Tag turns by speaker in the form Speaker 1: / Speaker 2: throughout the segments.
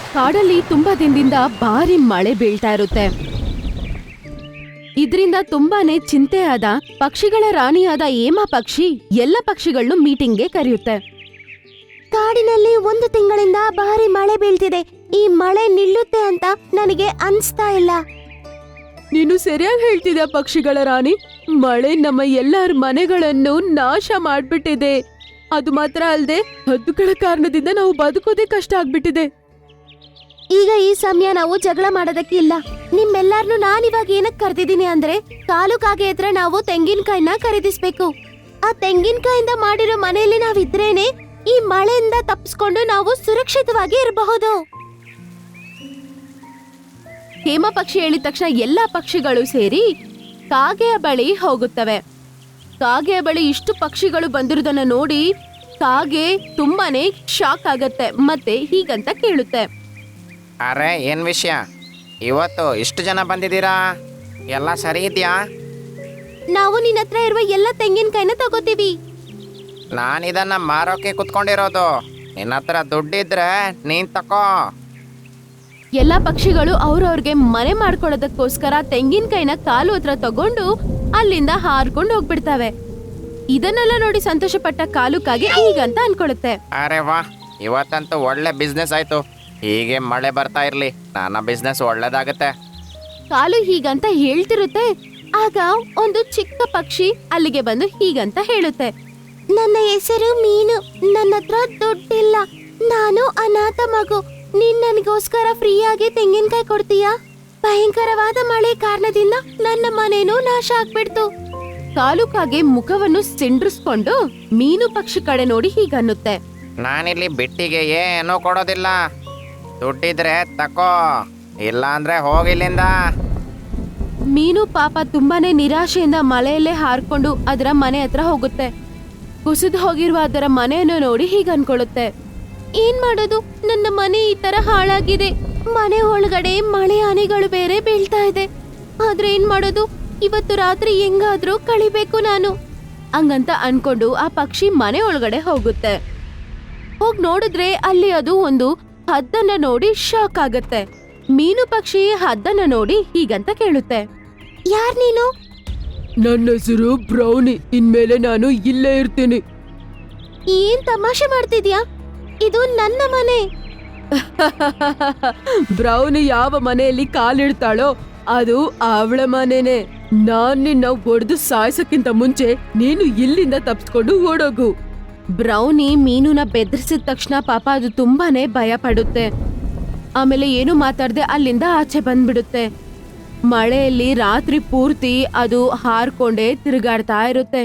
Speaker 1: ಕಾಡಲ್ಲಿ ತುಂಬಾ ದಿನದಿಂದ ಭಾರಿ ಮಳೆ ಬೀಳ್ತಾ ಇರುತ್ತೆ. ಇದರಿಂದ ತುಂಬಾನೇ ಚಿಂತೆ ಆದ ಪಕ್ಷಿಗಳ ರಾಣಿಯಾದ ಏಮಾ ಪಕ್ಷಿ ಎಲ್ಲ ಪಕ್ಷಿಗಳನ್ನು ಮೀಟಿಂಗ್ಗೆ ಕರೆಯುತ್ತೆ.
Speaker 2: ಕಾಡಿನಲ್ಲಿ 1 ತಿಂಗಳಿಂದ ಭಾರಿ ಮಳೆ ಬೀಳ್ತಿದೆ. ಈ ಮಳೆ ನಿಲ್ಲುತ್ತೆ ಅಂತ ನನಗೆ ಅನ್ಸ್ತಾ ಇಲ್ಲ.
Speaker 1: ನೀನು ಸರಿಯಾಗಿ ಹೇಳ್ತಿದ್ಯಾ ಪಕ್ಷಿಗಳ ರಾಣಿ. ಮಳೆ ನಮ್ಮ ಎಲ್ಲರ ಮನೆಗಳನ್ನು ನಾಶ ಮಾಡ್ಬಿಟ್ಟಿದೆ. ಅದು ಮಾತ್ರ ಅಲ್ಲದೆ ಹದ್ದುಗಳ ಕಾರಣದಿಂದ ನಾವು ಬದುಕೋದೇ ಕಷ್ಟ ಆಗ್ಬಿಟ್ಟಿದೆ.
Speaker 2: ಈಗ ಈ ಸಮಯ ನಾವು ಜಗಳ ಮಾಡೋದಕ್ಕೆ ಇಲ್ಲ. ನಿಮ್ಮೆಲ್ಲಾರ್ನು ನಾನಿವಾಗ ಏನಕ್ಕೆ ಕರೆದಿದ್ದೀನಿ ಅಂದ್ರೆ ಕಾಲು ಕಾಗೆ ಹತ್ರ ನಾವು ತೆಂಗಿನಕಾಯಿನ ಖರೀದಿಸ್ಬೇಕು. ಆ ತೆಂಗಿನಕಾಯಿಂದ ಮಾಡಿರೋ ಮನೆಯಲ್ಲಿ ನಾವಿದ್ರೇನೆ ಈ ಮಳೆಯಿಂದ ತಪ್ಪಿಸ್ಕೊಂಡು ನಾವು ಸುರಕ್ಷಿತವಾಗಿ ಇರಬಹುದು.
Speaker 1: ಹೇಮ ಪಕ್ಷಿ ಹೇಳಿದ ತಕ್ಷಣ ಎಲ್ಲಾ ಪಕ್ಷಿಗಳು ಸೇರಿ ಕಾಗೆಯ ಬಳಿ ಹೋಗುತ್ತವೆ. ಕಾಗೆಯ ಬಳಿ ಇಷ್ಟು ಪಕ್ಷಿಗಳು ಬಂದಿರುವುದನ್ನ ನೋಡಿ ಕಾಗೆ ತುಂಬಾನೇ ಶಾಕ್ ಆಗತ್ತೆ. ಮತ್ತೆ ಹೀಗಂತ ಕೇಳುತ್ತೆ,
Speaker 3: ಅರೆ ಏನು ವಿಷಯ, ಇವತ್ತು ಇಷ್ಟು ಜನ ಬಂದಿದ್ದೀರಾ? ಎಲ್ಲ ಸರಿ ಇದೆಯಾ?
Speaker 2: ನಾವು ನಿನ್ನ ಹತ್ರ ಇರುವ ಎಲ್ಲ ತೆಂಗಿನಕಾಯಿನ ತಗೋತೀವಿ.
Speaker 3: ನಾನಿದನ್ನು ಮಾರೋಕೆ ಕುತ್ಕೊಂಡಿರೋದು. ನಿನ್ನ ಹತ್ರ ದುಡ್ಡಿದ್ರೆ ನೀನು ತಕೋ.
Speaker 1: ಎಲ್ಲಾ ಪಕ್ಷಿಗಳು ಅವ್ರವ್ರಿಗೆ ಮನೆ ಮಾಡ್ಕೊಳ್ಳೋದಕ್ಕೋಸ್ಕರ ತೆಂಗಿನಕಾಯಿನ ಕಾಲು ಹತ್ರ ತಗೊಂಡು ಅಲ್ಲಿಂದ ಹಾರ್ಕೊಂಡು ಹೋಗ್ಬಿಡ್ತವೆ. ಇದನ್ನೆಲ್ಲ ನೋಡಿ ಸಂತೋಷಪಟ್ಟ ಕಾಲುಕಾಗೆ ಹೀಗಂತ ಅನ್ಕೊಳ್ಳುತ್ತೆ,
Speaker 3: ಅರೆ ವಾ, ಇವತ್ತಂತೂ ಒಳ್ಳೆ ಬಿಸ್ನೆಸ್ ಆಯಿತು. ಹೀಗೆ ಮಳೆ ಬರ್ತಾ ಇರಲಿ, ನನ್ನ ಬಿಸ್ನೆಸ್ ಒಳ್ಳೇದಾಗುತ್ತೆ.
Speaker 1: ಕಾಲು ಹೀಗಂತ ಹೇಳ್ತಿರುತ್ತೆ. ಆಗ ಒಂದು ಚಿಕ್ಕ ಪಕ್ಷಿ ಅಲ್ಲಿಗೆ ಬಂದು ಹೀಗಂತ ಹೇಳುತ್ತೆ,
Speaker 2: ನನ್ನ ಹೆಸರು ಮೀನು. ನನ್ನ ಹತ್ರ ದುಡ್ಡಿಲ್ಲ. ನಾನು ಅನಾಥ ಮಗು. ನೀನ್ ನನಗೋಸ್ಕರ ಫ್ರೀಯಾಗಿ ತೆಂಗಿನಕಾಯಿ ಕೊಡ್ತೀಯಾ? ಭಯಂಕರವಾದ ಮಳೆ ಕಾರಣದಿಂದ ನನ್ನ ಮನೇನೂ ನಾಶ ಆಗ್ಬಿಡ್ತು.
Speaker 1: ಕಾಲುಕಾಗೆ ಮುಖವನ್ನು ಸಿಂಡ್ರಿಸ್ಕೊಂಡು ಮೀನು ಪಕ್ಷಿ ಕಡೆ ನೋಡಿ ಹೀಗನ್ನುತ್ತೆ,
Speaker 3: ನಾನಿಲ್ಲಿ ಬಿಟ್ಟಿಗೆ ಏನೂ ಕೊಡೋದಿಲ್ಲ. ದುಡ್ಡಿದ್ರೆ ತಕೋ, ಇಲ್ಲ ಅಂದ್ರೆ ಹೋಗಿಲ್ಲಿಂದ.
Speaker 1: ಮೀನು ಪಾಪ ತುಂಬಾನೇ ನಿರಾಶೆಯಿಂದ ಮಳೆಯಲ್ಲೇ ಹಾರ್ಕೊಂಡು ಅದರ ಮನೆ ಹತ್ರ ಹೋಗುತ್ತೆ. ಕುಸಿದು ಹೋಗಿರುವ ಅದರ ಮನೆಯನ್ನು ನೋಡಿ ಹೀಗೆ ಅನ್ಕೊಳ್ಳುತ್ತೆ,
Speaker 2: ಏನ್ ಮಾಡೋದು? ನನ್ನ ಮನೆ ಈ ತರ ಹಾಳಾಗಿದೆ. ಮನೆ ಒಳಗಡೆ ಮಳೆ ಹನಿಗಳು ಬೇರೆ ಬೀಳ್ತಾ ಇದೆ. ಆದ್ರೆ ಏನ್ ಮಾಡೋದು? ಇವತ್ತು ರಾತ್ರಿ ಹೆಂಗಾದ್ರೂ ಕಳಿಬೇಕು ನಾನು.
Speaker 1: ಹಂಗಂತ ಅನ್ಕೊಂಡು ಆ ಪಕ್ಷಿ ಮನೆ ಒಳಗಡೆ ಹೋಗುತ್ತೆ. ಹೋಗ್ ನೋಡಿದ್ರೆ ಅಲ್ಲಿ ಅದು ಒಂದು ಹದ್ದನ್ನ ನೋಡಿ ಶಾಕ್ ಆಗತ್ತೆ. ಮೀನು ಪಕ್ಷಿ ಹದ್ದನ್ನ ನೋಡಿ ಹೀಗಂತ ಕೇಳುತ್ತೆ,
Speaker 2: ಯಾರ್ ನೀನು?
Speaker 1: ನನ್ನ ಹೆಸರು ಬ್ರೌನಿ. ಇನ್ಮೇಲೆ ನಾನು ಇಲ್ಲೇ ಇರ್ತೀನಿ.
Speaker 2: ಏನ್ ತಮಾಷೆ ಮಾಡ್ತಿದ್ಯಾ? ಇದು ನನ್ನ ಮನೆ.
Speaker 1: ಬ್ರೌನಿ ಯಾವ ಮನೆಯಲ್ಲಿ ಕಾಲಿಡ್ತಾಳೋ ಅದು ಅವಳ ಮನೆನೆ. ನಾನ್ ನಿನ್ನ ಒಡೆದು ಸಾಯಿಸಕ್ಕಿಂತ ಮುಂಚೆ ನೀನು ಇಲ್ಲಿಂದ ತಪ್ಪಿಸ್ಕೊಂಡು ಓಡೋಗು. ಬ್ರೌನಿ ಮೀನುನ ಬೆದರಿಸಿದ ತಕ್ಷಣ ಪಾಪ ಅದು ತುಂಬಾನೇ ಭಯ ಪಡುತ್ತೆ. ಆಮೇಲೆ ಏನು ಮಾತಾಡದೆ ಅಲ್ಲಿಂದ ಆಚೆ ಬಂದ್ಬಿಡುತ್ತೆ. ಮಳೆಯಲ್ಲಿ ರಾತ್ರಿ ಪೂರ್ತಿ ಅದು ಹಾರ್ಕೊಂಡೇ ತಿರುಗಾಡ್ತಾ ಇರುತ್ತೆ.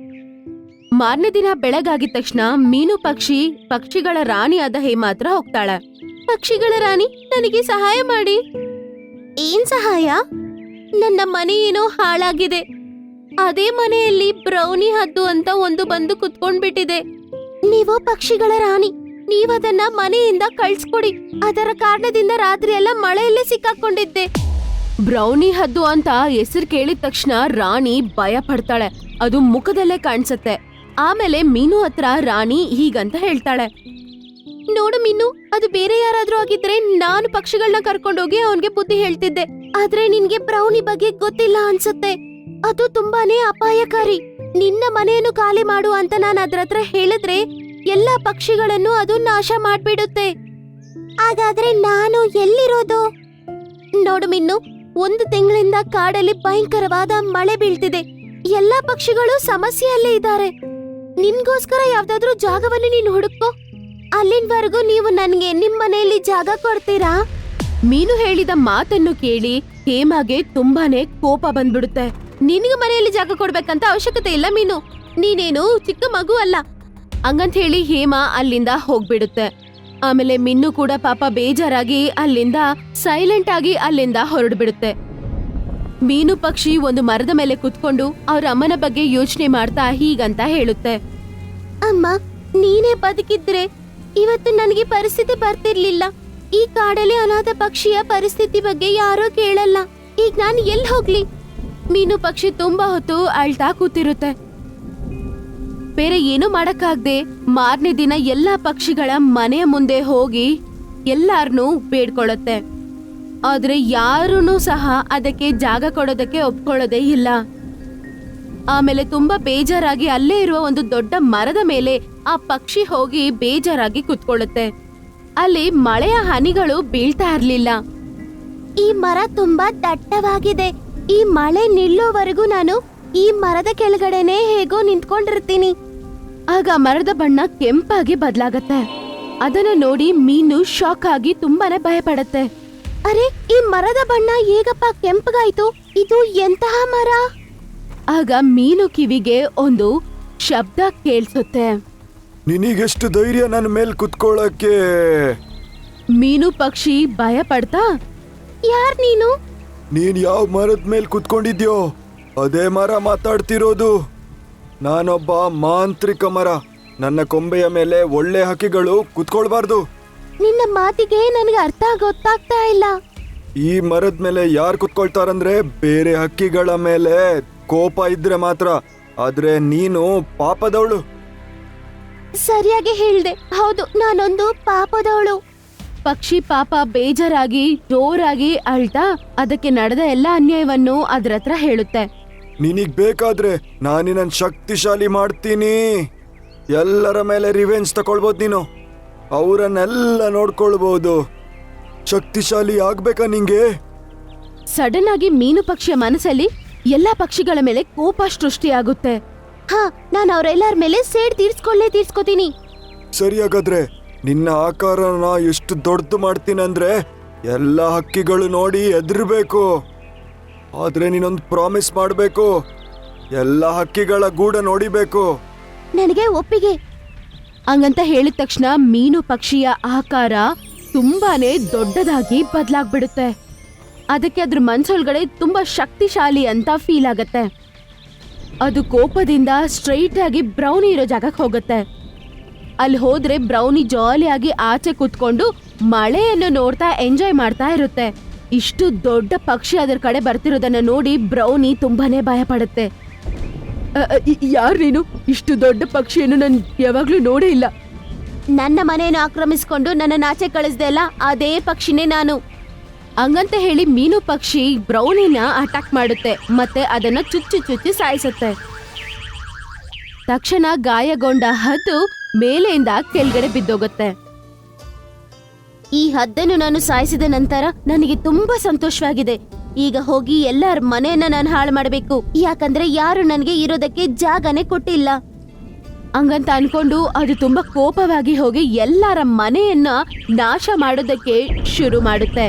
Speaker 1: ಮಾರನೇ ದಿನ ಬೆಳಗಾಗಿದ ತಕ್ಷಣ ಮೀನು ಪಕ್ಷಿ ಪಕ್ಷಿಗಳ ರಾಣಿಯಾದ ಹೇಮ ಹತ್ರ ಹೋಗ್ತಾಳೆ.
Speaker 2: ಪಕ್ಷಿಗಳ ರಾಣಿ, ನನಗೆ ಸಹಾಯ ಮಾಡಿ. ಏನ್ ಸಹಾಯ? ನನ್ನ ಮನೆ ಏನೋ ಹಾಳಾಗಿದೆ. ಅದೇ ಮನೆಯಲ್ಲಿ ಬ್ರೌನಿ ಹದ್ದು ಅಂತ ಒಂದು ಬಂದು ಕುತ್ಕೊಂಡ್ಬಿಟ್ಟಿದೆ. ನೀವು ಪಕ್ಷಿಗಳ ರಾಣಿ, ನೀವದನ್ನ ಮನೆಯಿಂದ ಕಳ್ಸ್ಕೊಡಿ. ಅದರ ಕಾರಣದಿಂದ ರಾತ್ರಿ ಎಲ್ಲ ಮಳೆಯಲ್ಲೇ ಸಿಕ್ಕಾಕೊಂಡಿದ್ದೆ.
Speaker 1: ಬ್ರೌನಿ ಹದ್ದು ಅಂತ ಹೆಸರು ಕೇಳಿದ ತಕ್ಷಣ ರಾಣಿ ಭಯ ಪಡ್ತಾಳೆ. ಅದು ಮುಖದಲ್ಲೇ ಕಾಣಿಸುತ್ತೆ. ಆಮೇಲೆ ಮೀನು ಹತ್ರ ರಾಣಿ ಹೀಗಂತ ಹೇಳ್ತಾಳೆ,
Speaker 2: ನೋಡು ಮೀನು, ಅದು ಬೇರೆ ಯಾರಾದ್ರೂ ಆಗಿದ್ರೆ ನಾನು ಪಕ್ಷಿಗಳನ್ನ ಕರ್ಕೊಂಡೋಗಿ ಅವನ್ಗೆ ಬುದ್ಧಿ ಹೇಳ್ತಿದ್ದೆ. ಆದ್ರೆ ನಿನ್ಗೆ ಬ್ರೌನಿ ಬಗ್ಗೆ ಗೊತ್ತಿಲ್ಲ ಅನ್ಸುತ್ತೆ. ಅದು ತುಂಬಾನೇ ಅಪಾಯಕಾರಿ. ನಿನ್ನ ಮನೆಯನ್ನು ಖಾಲಿ ಮಾಡು ಅಂತ ನಾನು ಅದ್ರ ಹತ್ರ ಹೇಳಿದ್ರೆ ಎಲ್ಲಾ ಪಕ್ಷಿಗಳನ್ನು ಅದು ನಾಶ ಮಾಡ್ಬಿಡುತ್ತೆ. ಹಾಗಾದ್ರೆ ನಾನು ಎಲ್ಲಿರೋದು? ನೋಡು ಮಿನ್ನು, 1 ತಿಂಗಳಿಂದ ಕಾಡಲ್ಲಿ ಭಯಂಕರವಾದ ಮಳೆ ಬೀಳ್ತಿದೆ. ಎಲ್ಲಾ ಪಕ್ಷಿಗಳು ಸಮಸ್ಯೆಯಲ್ಲೇ ಇದ್ದಾರೆ. ನಿನ್ಗೋಸ್ಕರ ಯಾವ್ದಾದ್ರೂ ಜಾಗವನ್ನು ನೀನು ಹುಡುಕೋ. ಅಲ್ಲಿನವರೆಗೂ ನೀವು ನನ್ಗೆ ನಿಮ್ ಮನೆಯಲ್ಲಿ ಜಾಗ ಕೊಡ್ತೀರಾ?
Speaker 1: ಮೀನು ಹೇಳಿದ ಮಾತನ್ನು ಕೇಳಿ ಹೇಮಾಗೆ ತುಂಬಾನೇ ಕೋಪ ಬಂದ್ಬಿಡುತ್ತೆ.
Speaker 2: ನಿನಗೆ ಮನೆಯಲ್ಲಿ ಜಾಗ ಕೊಡ್ಬೇಕಂತ ಅವಶ್ಯಕತೆ ಇಲ್ಲ ಮೀನು. ನೀನೇನು ಚಿಕ್ಕ ಮಗು ಅಲ್ಲ.
Speaker 1: ಹಂಗಂತ ಹೇಳಿ ಹೇಮಾ ಅಲ್ಲಿಂದ ಹೋಗ್ಬಿಡುತ್ತೆ. ಆಮೇಲೆ ಮಿನ್ನು ಕೂಡ ಪಾಪ ಬೇಜಾರಾಗಿ ಅಲ್ಲಿಂದ ಸೈಲೆಂಟ್ ಆಗಿ ಅಲ್ಲಿಂದ ಹೊರಡ್ಬಿಡುತ್ತೆ. ಮೀನು ಪಕ್ಷಿ ಒಂದು ಮರದ ಮೇಲೆ ಕುತ್ಕೊಂಡು ಅವ್ರ ಅಮ್ಮನ ಬಗ್ಗೆ ಯೋಚನೆ ಮಾಡ್ತಾ ಹೀಗಂತ ಹೇಳುತ್ತೆ,
Speaker 2: ಅಮ್ಮ, ನೀನೇ ಬದುಕಿದ್ರೆ ಇವತ್ತು ನನಗೆ ಪರಿಸ್ಥಿತಿ ಬರ್ತಿರ್ಲಿಲ್ಲ. ಈ ಕಾಡಲ್ಲಿ ಅನಾಥ ಪಕ್ಷಿಯ ಪರಿಸ್ಥಿತಿ ಬಗ್ಗೆ ಯಾರೋ ಕೇಳಲ್ಲ. ಈಗ ನಾನು ಎಲ್ಲಿ ಹೋಗ್ಲಿ?
Speaker 1: ಮೀನು ಪಕ್ಷಿ ತುಂಬಾ ಹೊತ್ತು ಅಳ್ತಾ ಕೂತಿರುತ್ತೆ. ಬೇರೆ ಏನು ಮಾಡಕ್ಕಾಗ್ದೆ ಮಾರನೇ ದಿನ ಎಲ್ಲಾ ಪಕ್ಷಿಗಳ ಮನೆಯ ಮುಂದೆ ಹೋಗಿ
Speaker 2: ಎಲ್ಲಾರ್ನೂ ಬೇಡ್ಕೊಳ್ಳುತ್ತೆ. ಆದ್ರೆ ಯಾರೂ ಸಹ ಅದಕ್ಕೆ ಜಾಗ ಕೊಡೋದಕ್ಕೆ ಒಪ್ಕೊಳ್ಳೋದೇ ಇಲ್ಲ. ಆಮೇಲೆ ತುಂಬಾ ಬೇಜಾರಾಗಿ ಅಲ್ಲೇ ಇರುವ ಒಂದು ದೊಡ್ಡ ಮರದ ಮೇಲೆ ಆ ಪಕ್ಷಿ ಹೋಗಿ ಬೇಜಾರಾಗಿ ಕುತ್ಕೊಳ್ಳುತ್ತೆ. ಅಲ್ಲಿ ಮಳೆಯ ಹನಿಗಳು ಬೀಳ್ತಾ ಇರ್ಲಿಲ್ಲ. ಈ ಮರ ತುಂಬಾ ದಟ್ಟವಾಗಿದೆ. ಈ ಮಳೆ ನಿಲ್ಲೋವರೆಗೂ ನಾನು ಈ ಮರದ ಕೆಳಗಡೆನೆ ಹೇಗೋ ನಿಂತ್ಕೊಂಡಿರ್ತೀನಿ. ಆಗ ಮರದ ಬಣ್ಣ ಕೆಂಪಾಗಿ ಬದಲಾಗತ್ತೆ. ಅದನ್ನ ನೋಡಿ ಮೀನು ಶಾಕ್ ಆಗಿ ತುಂಬಾನೇ ಭಯ ಪಡತ್ತೆ. ಅರೆ, ಈ ಮರದ ಬಣ್ಣ ಹೇಗಪ್ಪ ಕೆಂಪಗಾಯ್ತು? ಇದು ಎಂತಹ ಮರ? ಆಗ ಮೀನು ಕಿವಿಗೆ ಒಂದು ಶಬ್ದ ಕೇಳಿಸುತ್ತೆ.
Speaker 4: ನಿನಗೆಷ್ಟು ಧೈರ್ಯ ನನ್ನ ಮೇಲೆ ಕುತ್ಕೊಳ್ಳಕ್ಕೆ?
Speaker 2: ಮೀನು ಪಕ್ಷಿ ಭಯ ಪಡ್ತಾ, ಯಾರ್ ನೀನು?
Speaker 4: ನೀನ್ ಯಾವ ಮರದ ಮೇಲೆ ಕುತ್ಕೊಂಡಿದ್ಯೋ ಅದೇ ಮರ ಮಾತಾಡ್ತಿರೋದು. ನಾನೊಬ್ಬ ಮಾಂತ್ರಿಕ ಮರ. ನನ್ನ ಕೊಂಬೆಯ ಮೇಲೆ ಒಳ್ಳೆ ಹಕ್ಕಿಗಳು ಕುತ್ಕೊಳ್ಬಾರ್ದು.
Speaker 2: ನಿನ್ನ ಮಾತಿಗೆ ನನಗೆ ಅರ್ಥ ಗೊತ್ತಾಗ್ತಾ ಇಲ್ಲ.
Speaker 4: ಈ ಮರದ ಮೇಲೆ ಯಾರು ಕುತ್ಕೊಳ್ತಾರಂದ್ರೆ ಬೇರೆ ಹಕ್ಕಿಗಳ ಮೇಲೆ ಕೋಪ ಇದ್ರೆ ಮಾತ್ರ. ಆದ್ರೆ ನೀನು ಪಾಪದವಳು.
Speaker 2: ಸರಿಯಾಗಿ ಹೇಳ್ದೆ. ಹೌದು, ನಾನೊಂದು ಪಾಪದವಳು. ಪಕ್ಷಿ ಪಾಪ ಬೇಜಾರಾಗಿ ಜೋರಾಗಿ ಅಳ್ತಾ ಅದಕ್ಕೆ ನಡೆದ ಎಲ್ಲ ಅನ್ಯಾಯವನ್ನು ಅದ್ರ ಹತ್ರ ಹೇಳುತ್ತೆ.
Speaker 4: ನಿನಗ್ ಬೇಕಾದ್ರೆ ನಾನಿನ್ನ ಶಕ್ತಿಶಾಲಿ ಮಾಡ್ತೀನಿ. ಎಲ್ಲರ ಮೇಲೆ ರಿವೆಂಜ್ ತಕೊಳ್ಬೋದು. ನೀನು ಅವರನ್ನೆಲ್ಲ ನೋಡ್ಕೊಳ್ಬಹುದು. ಶಕ್ತಿಶಾಲಿ ಆಗ್ಬೇಕಾ ನಿಂಗೆ?
Speaker 2: ಸಡನ್ ಆಗಿ ಮೀನು ಪಕ್ಷಿಯ ಮನಸ್ಸಲ್ಲಿ ಎಲ್ಲಾ ಪಕ್ಷಿಗಳ ಮೇಲೆ ಕೋಪ ಸೃಷ್ಟಿಯಾಗುತ್ತೆ. ಹಾ, ನಾನು ಅವರೆಲ್ಲರ ಮೇಲೆ ಸೇಡ್ ತೀರ್ಸ್ಕೋತೀನಿ.
Speaker 4: ಸರಿಯಾಗಾದ್ರೆ ನಿನ್ನ ಆಕಾರನ ಎಷ್ಟು ದೊಡ್ಡದು ಮಾಡ್ತೀನಂದ್ರೆ ಎಲ್ಲ ಹಕ್ಕಿಗಳು ನೋಡಿ ಹೆದರ್ಬೇಕು. ಆದ್ರೆ ನೀನೊಂದು ಪ್ರಾಮಿಸ್ ಮಾಡ್ಬೇಕು. ಎಲ್ಲ ಹಕ್ಕಿಗಳ ಗೂಡ ನೋಡಿಬೇಕು.
Speaker 2: ನನಗೆ ಒಪ್ಪಿಗೆ. ಹಂಗಂತ ಹೇಳಿದ ತಕ್ಷಣ ಮೀನು ಪಕ್ಷಿಯ ಆಕಾರ ತುಂಬಾನೇ ದೊಡ್ಡದಾಗಿ ಬದಲಾಗ್ಬಿಡುತ್ತೆ. ಅದಕ್ಕೆ ಅದ್ರ ಮನ್ಸೊಳಗಡೆ ತುಂಬಾ ಶಕ್ತಿಶಾಲಿ ಅಂತ ಫೀಲ್ ಆಗತ್ತೆ. ಅದು ಕೋಪದಿಂದ ಸ್ಟ್ರೈಟ್ ಆಗಿ ಬ್ರೌನಿ ಇರೋ ಜಾಗಕ್ಕೆ ಹೋಗುತ್ತೆ. ಅಲ್ಲಿ ಹೋದ್ರೆ ಬ್ರೌನಿ ಜಾಲಿಯಾಗಿ ಆಚೆ ಕುತ್ಕೊಂಡು ಮಳೆಯನ್ನು ನೋಡ್ತಾ ಎಂಜಾಯ್ ಮಾಡ್ತಾ ಇರುತ್ತೆ. ಇಷ್ಟು ದೊಡ್ಡ ಪಕ್ಷಿ ಅದರ ಕಡೆ ಬರ್ತಿರೋದನ್ನ ನೋಡಿ ಬ್ರೌನಿ ತುಂಬಾನೇ ಭಯ ಪಡುತ್ತೆ.
Speaker 1: ಯಾರ್ ನೀನು? ಇಷ್ಟು ದೊಡ್ಡ ಪಕ್ಷಿಯನ್ನು ನಾನು ಯಾವಾಗ್ಲೂ ನೋಡೇ ಇಲ್ಲ.
Speaker 2: ನನ್ನ ಮನೆಯನ್ನು ಆಕ್ರಮಿಸಿಕೊಂಡು ನನ್ನ ಆಚೆ ಕಳಿಸ್ದೆ ಅಲ್ಲ, ಅದೇ ಪಕ್ಷಿನೇ ನಾನು. ಹಂಗಂತ ಹೇಳಿ ಮೀನು ಪಕ್ಷಿ ಬ್ರೌನಿನ ಅಟ್ಯಾಕ್ ಮಾಡುತ್ತೆ ಮತ್ತೆ ಅದನ್ನ ಚುಚ್ಚಿ ಸಾಯಿಸುತ್ತೆ. ತಕ್ಷಣ ಗಾಯಗೊಂಡ ಹದ್ದು ಮೇಲೆಯಿಂದ ಕೆಳಗಡೆ ಬಿದ್ದೋಗುತ್ತೆ. ಈ ಹದ್ದನ್ನು ನಾನು ಸಾಯಿಸಿದ ನಂತರ ನನಗೆ ತುಂಬಾ ಸಂತೋಷವಾಗಿದೆ. ಈಗ ಹೋಗಿ ಎಲ್ಲರ ಮನೆಯನ್ನ ನಾನು ಹಾಳು ಮಾಡಬೇಕು. ಯಾಕಂದ್ರೆ ಯಾರು ನನಗೆ ಇರೋದಕ್ಕೆ ಜಾಗನೇ ಕೊಟ್ಟಿಲ್ಲ. ಹಂಗಂತ ಅನ್ಕೊಂಡು ಅದು ತುಂಬಾ ಕೋಪವಾಗಿ ಹೋಗಿ ಎಲ್ಲರ ಮನೆಯನ್ನ ನಾಶ ಮಾಡೋದಕ್ಕೆ ಶುರು ಮಾಡುತ್ತೆ.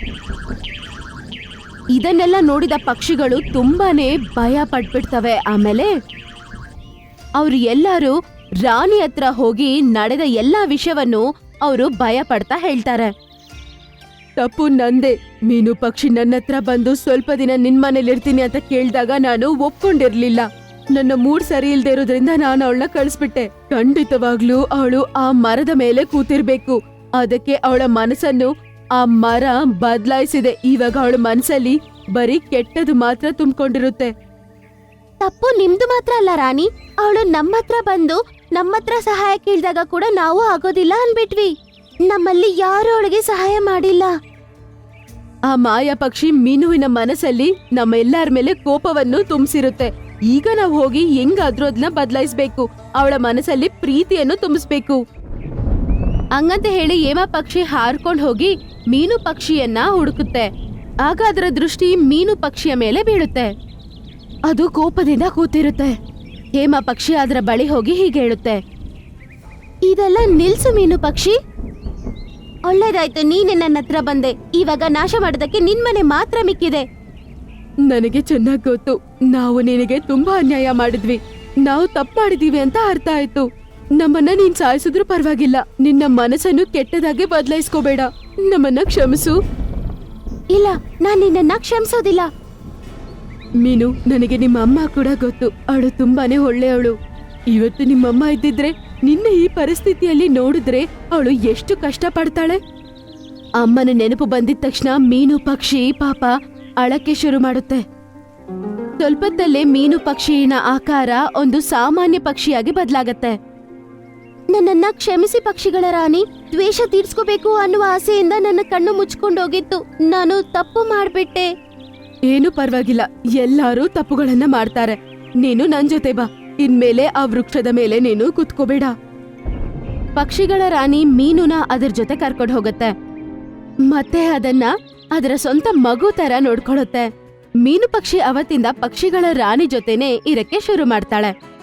Speaker 2: ಇದನ್ನೆಲ್ಲ ನೋಡಿದ ಪಕ್ಷಿಗಳು ತುಂಬಾನೇ ಭಯ ಪಟ್ಬಿಡ್ತವೆ. ಆಮೇಲೆ ಅವ್ರು ಎಲ್ಲರೂ ರಾಣಿ ಹತ್ರ ಹೋಗಿ ನಡೆದ ಎಲ್ಲಾ ವಿಷಯವನ್ನು ಅವರು ಭಯ ಪಡ್ತಾ ಹೇಳ್ತಾರೆ.
Speaker 1: ತಪ್ಪು ನಂದೆ. ಮೀನು ಪಕ್ಷಿ ನನ್ನ ಹತ್ರ ಬಂದು ಸ್ವಲ್ಪ ದಿನ ನಿನ್ ಮನೇಲಿ ಇರ್ತೀನಿ ಅಂತ ಕೇಳಿದಾಗ ನಾನು ಒಪ್ಕೊಂಡಿರ್ಲಿಲ್ಲ. ನನ್ನ ಮೂಡ್ ಸರಿ ಇಲ್ದೇ ಇರೋದ್ರಿಂದ ನಾನು ಅವಳನ್ನ ಕಳಿಸ್ಬಿಟ್ಟೆ. ಖಂಡಿತವಾಗ್ಲೂ ಅವಳು ಆ ಮರದ ಮೇಲೆ ಕೂತಿರ್ಬೇಕು. ಅದಕ್ಕೆ ಅವಳ ಮನಸ್ಸನ್ನು ಆ ಮರ ಬದಲಾಯಿಸಿದೆ. ಇವಾಗ ಅವಳ ಮನಸ್ಸಲ್ಲಿ ಬರೀ ಕೆಟ್ಟದು ಮಾತ್ರ ತುಂಬಿಕೊಂಡಿರುತ್ತೆ.
Speaker 2: ತಪ್ಪು ನಿಮ್ದು ಮಾತ್ರ ಅಲ್ಲ ರಾಣಿ. ಅವಳು ನಮ್ಮ ಹತ್ರ ಬಂದು ನಮ್ಮ ಹತ್ರ ಸಹಾಯ ಕೇಳಿದಾಗ ಕೂಡ ನಾವು ಆಗೋದಿಲ್ಲ ಅನ್ಬಿಟ್ವಿ. ನಮ್ಮಲ್ಲಿ ಯಾರು ಅವಳಿಗೆ ಸಹಾಯ ಮಾಡಿಲ್ಲ.
Speaker 1: ಆ ಮಾಯಾ ಪಕ್ಷಿ ಮೀನುವಿನ ಮನಸ್ಸಲ್ಲಿ ನಮ್ಮ ಎಲ್ಲರ ಮೇಲೆ ಕೋಪವನ್ನು ತುಂಬಿಸಿರುತ್ತೆ. ಈಗ ನಾವು ಹೋಗಿ ಹೆಂಗಾದ್ರೂ ಅದನ್ನ ಬದಲಾಯಿಸ್ಬೇಕು. ಅವಳ ಮನಸ್ಸಲ್ಲಿ ಪ್ರೀತಿಯನ್ನು ತುಂಬಿಸ್ಬೇಕು.
Speaker 2: ಹಂಗಂತ ಹೇಳಿ ಹೇಮ ಪಕ್ಷಿ ಹಾರ್ಕೊಂಡ್ ಹೋಗಿ ಮೀನು ಪಕ್ಷಿಯನ್ನ ಹುಡುಕುತ್ತೆ. ಆಗ ಅದರ ದೃಷ್ಟಿ ಮೀನು ಪಕ್ಷಿಯ ಮೇಲೆ ಬೀಳುತ್ತೆ. ಅದು ಕೋಪದಿಂದ ಕೂತಿರುತ್ತೆ. ಹೇಮ ಪಕ್ಷಿ ಅದರ ಬಳಿ ಹೋಗಿ ಹೀಗೆ ಹೇಳುತ್ತೆ, ಇದೆಲ್ಲ ನಿಲ್ಸು ಮೀನು ಪಕ್ಷಿ. ಒಳ್ಳೇದಾಯ್ತು ನೀನೆ ನನ್ನ ಹತ್ರ ಬಂದೆ. ಇವಾಗ ನಾಶ ಮಾಡೋದಕ್ಕೆ ನಿನ್ ಮನೆ ಮಾತ್ರ ಮಿಕ್ಕಿದೆ.
Speaker 1: ನನಗೆ ಚೆನ್ನಾಗ್ ಗೊತ್ತು, ನಾವು ನಿನಗೆ ತುಂಬಾ ಅನ್ಯಾಯ ಮಾಡಿದ್ವಿ. ನಾವು ತಪ್ಪು ಮಾಡಿದೀವಿ ಅಂತ ಅರ್ಥ ಆಯ್ತು. ನಮ್ಮನ್ನ ನೀನ್ ಸಾಯಿಸಿದ್ರು ಪರವಾಗಿಲ್ಲ. ನಿನ್ನ ಮನಸ್ಸನ್ನು ಕೆಟ್ಟದಾಗೆ ಬದಲಾಯಿಸ್ಕೋಬೇಡ. ನಮ್ಮನ್ನ ಕ್ಷಮಿಸು.
Speaker 2: ಇಲ್ಲ, ನಾನ್ ನಿನ್ನ ಕ್ಷಮಿಸೋದಿಲ್ಲ.
Speaker 1: ಮೀನು, ನನಗೆ ನಿಮ್ಮ ಅಮ್ಮ ಕೂಡ ಗೊತ್ತು. ಅವಳು ತುಂಬಾನೇ ಒಳ್ಳೆಯವಳು. ಇವತ್ತು ನಿಮ್ಮಮ್ಮ ಇದ್ದಿದ್ರೆ ನಿನ್ನ ಈ ಪರಿಸ್ಥಿತಿಯಲ್ಲಿ ನೋಡಿದ್ರೆ ಅವಳು ಎಷ್ಟು ಕಷ್ಟ ಪಡ್ತಾಳೆ. ಅಮ್ಮನ ನೆನಪು ಬಂದಿದ ತಕ್ಷಣ ಮೀನು ಪಕ್ಷಿ ಪಾಪ ಅಳಕ್ಕೆ ಶುರು ಮಾಡುತ್ತೆ. ಸ್ವಲ್ಪದಲ್ಲೇ ಮೀನು ಪಕ್ಷಿಯ ಆಕಾರ ಒಂದು ಸಾಮಾನ್ಯ ಪಕ್ಷಿಯಾಗಿ ಬದಲಾಗತ್ತೆ.
Speaker 2: ನನ್ನನ್ನ ಕ್ಷಮಿಸಿ ಪಕ್ಷಿಗಳ ರಾಣಿ. ದ್ವೇಷ ತೀರ್ಸ್ಕೋಬೇಕು ಅನ್ನುವ ಆಸೆಯಿಂದ ನನ್ನ ಕಣ್ಣು ಮುಚ್ಕೊಂಡೋಗಿತ್ತು. ನಾನು ತಪ್ಪು ಮಾಡ್ಬಿಟ್ಟೆ.
Speaker 1: ಏನು ಪರವಾಗಿಲ್ಲ, ಎಲ್ಲಾರು ತಪ್ಪುಗಳನ್ನ ಮಾಡ್ತಾರೆ. ನೀನು ನನ್ ಜೊತೆ ಬಾ. ಇನ್ಮೇಲೆ ಆ ವೃಕ್ಷದ ಮೇಲೆ ನೀನು ಕುತ್ಕೋಬೇಡ. ಪಕ್ಷಿಗಳ ರಾಣಿ ಮೀನುನ ಅದ್ರ ಜೊತೆ ಕರ್ಕೊಂಡು ಹೋಗುತ್ತೆ. ಮತ್ತೆ ಅದನ್ನ ಅದರ ಸ್ವಂತ ಮಗು ತರ ನೋಡ್ಕೊಳ್ಳುತ್ತೆ. ಮೀನು ಪಕ್ಷಿ ಅವತ್ತಿಂದ ಪಕ್ಷಿಗಳ ರಾಣಿ ಜೊತೆನೆ ಇರಕ್ಕೆ ಶುರು ಮಾಡ್ತಾಳೆ.